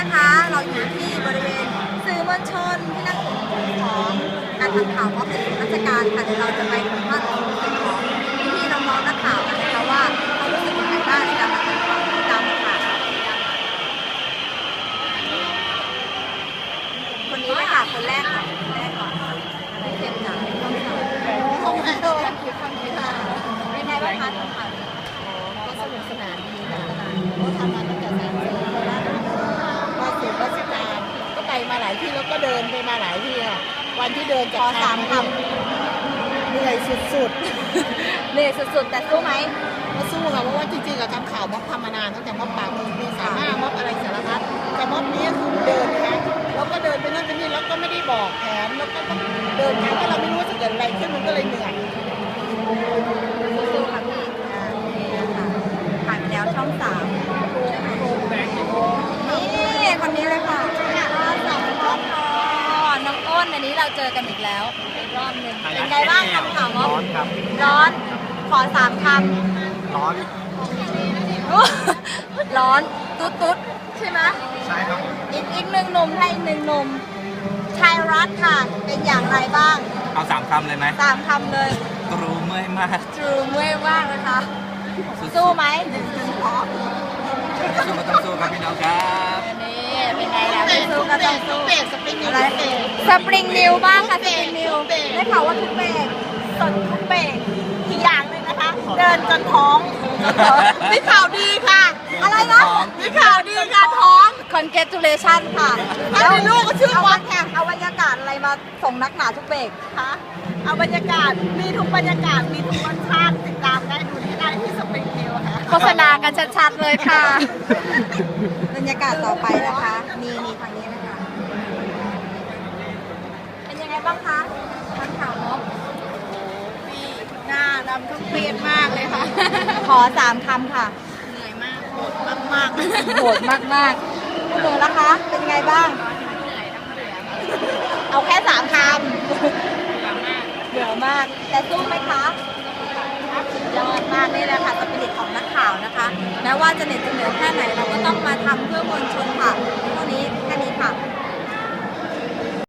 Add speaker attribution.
Speaker 1: นะคะเราอยู่ที่บริเวณสื่อมวลชนที่นั่งของการทำข่าวว่าเป็นราชการค่ะเดี๋ยวเราจะไปสัมภาษณ์ความรู้สึกของพี่ๆน้องๆนักข่าวกันนะคะว่าเขารู้สึกยังไงบ้างในการทำข่าวตามข่าวคนนี้เลยค่ะคนแรกก่อนเทียมจ๋าห้องโดนคิดคำคิดค่ะเป็นไงบ้างคะทำข่าว
Speaker 2: ก็สนุกสนานดีค่ะก็ทำมาตั้งแต่3 ปีแล้วก็สู่ราชการก็ไปมาหลายที่แล้วก็เดินไปมาหลายที่ค่ะวันที่เดินจาก
Speaker 1: ขอ3 ค
Speaker 2: ำเหนื่อยสุด
Speaker 1: ๆเหนื่อยสุดๆแต่สู้ไหม
Speaker 2: ก็สู้ค่ะเพราะว่าจริงๆกับทำข่าวม็อบทำมานานตั้งแต่ม็อบปากมีสามารถม็อบอะไรสารพัดแต่ม็อบนี้คือเดินนะคะแล้วก็เดินไปนั่นไปนี่แล้วก็ไม่ได้บอกแผนแล้วก็ต้องเดินไปก็เราไม่รู้ว่าจะเกิดอะไรขึ้นมันก็เลยเหนื่อย
Speaker 1: สู้ๆค่ะพี่ผ่านไปแล้วช่อง3นี่คนนี้เลยค่ะน้องอ้นอันนี้เราเจอกันอีกแล้วอีกรอบหนึ่งเป็นไงบ้างทำข่าวม็อบ
Speaker 3: ร้อนครับ
Speaker 1: ร้อนขอ3 คำ
Speaker 3: ร้อน
Speaker 1: ร้อนตุ๊ดใช่ไหม
Speaker 3: ใช่ครับ
Speaker 1: อีกหนึ่งหนุ่มให้1 หนุ่มชายรัฐค่ะเป็นอย่างไรบ้าง
Speaker 3: เอา3 คำเลยไหม
Speaker 1: 3 คำเลย
Speaker 3: ตรูเมื่อยมาก
Speaker 1: ตรูเมื่อยมากนะคะสู้ไหม
Speaker 3: สู้ก็ต้องสู้ครับพี่น้องครับ
Speaker 1: นี่เป็นไงล่ะไม่สู้ก็ต้องสู้
Speaker 2: สปริงนิว
Speaker 1: สปริงนิวบ้างค่ะสปริงนิวได้ข่าวว่าทุกเบรกสดทุกเบรกอีกอย่างหนึ่งนะคะเดินจนท้องมีข่าวดีค่ะอะไรนะมีข่าวดีค่ะท้อง congratulation ค่ะแล้วลูกก็ชื่อวันแข่งเอาบรรยากาศอะไรมาส่งนักหนาทุกเบรกคะเอาบรรยากาศมีทุกบรรยากาศมีทุกรสชาติติดตามได้ดูที่ได้ที่สปริงนิวค่ะโฆษณากันชัดๆเลยค่ะบรรยากาศต่อไปนะคะมีทางนี้นะคะเป็นยังไงบ้างคะทางข่าวม็อบ
Speaker 2: หน้าดำทั้งเปียกมากเลยค่ะ
Speaker 1: ขอ3 คำค่ะ
Speaker 2: เหนื่อยมากโหดมาก
Speaker 1: โหดมากๆคุณหนูล่ะคะเป็นไงบ้างเอาแค่3 คำเบื่อมากแต่สู้ไหมคะสุดยอดมากนี่แหละค่ะสปิริตของนักข่าวนะคะแม้ว่าจะเหน็ดจะเหนื่อยแค่ไหนเราก็ต้องมาทำเพื่อมวลชนค่ะเท่านี้แค่นี้ค่ะ